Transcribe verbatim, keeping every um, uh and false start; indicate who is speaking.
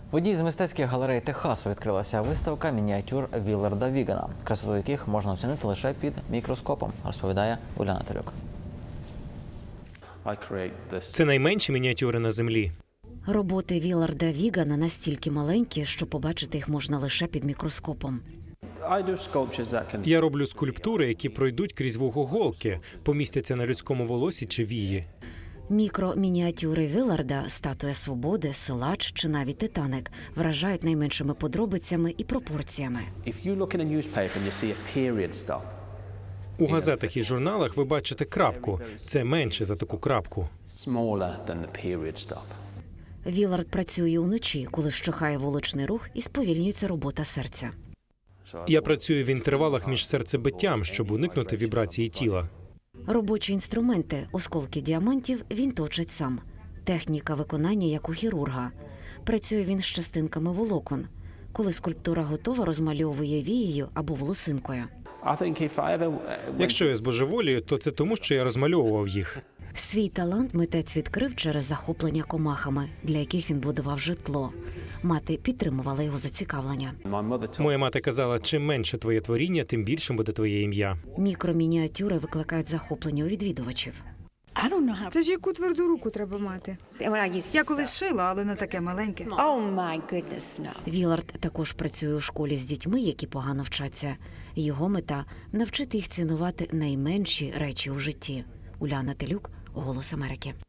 Speaker 1: В одній з мистецьких галерей Техасу відкрилася виставка мініатюр Вілларда Вігана, красоту яких можна оцінити лише під мікроскопом, розповідає Уляна Телюк.
Speaker 2: Це найменші мініатюри на землі.
Speaker 3: Роботи Вілларда Вігана настільки маленькі, що побачити їх можна лише під мікроскопом.
Speaker 2: Я роблю скульптури, які пройдуть крізь вугоголки, помістяться на людському волосі чи вії.
Speaker 3: Мікро-мініатюри Вілларда, статуя свободи, силач чи навіть Титаник вражають найменшими подробицями і пропорціями.
Speaker 2: У газетах і журналах ви бачите крапку. Це менше за таку крапку.
Speaker 3: Віллард працює уночі, коли вщухає вуличний рух і сповільнюється робота серця.
Speaker 2: Я працюю в інтервалах між серцебиттям, щоб уникнути вібрації тіла.
Speaker 3: Робочі інструменти, осколки діамантів, він точить сам. Техніка виконання, як у хірурга. Працює він з частинками волокон. Коли скульптура готова, розмальовує вією або волосинкою.
Speaker 2: Якщо я збожеволію, то це тому, що я розмальовував їх.
Speaker 3: Свій талант митець відкрив через захоплення комахами, для яких він будував житло. Мати підтримувала його зацікавлення.
Speaker 2: Моя мати казала, чим менше твоє творіння, тим більшим буде твоє ім'я.
Speaker 3: Мікромініатюри викликають захоплення у відвідувачів.
Speaker 4: Це ж яку тверду руку треба мати. Я колись шила, але не таке маленьке.
Speaker 3: Віллард також працює у школі з дітьми, які погано вчаться. Його мета – навчити їх цінувати найменші речі у житті. Уляна Телюк, «Голос Америки».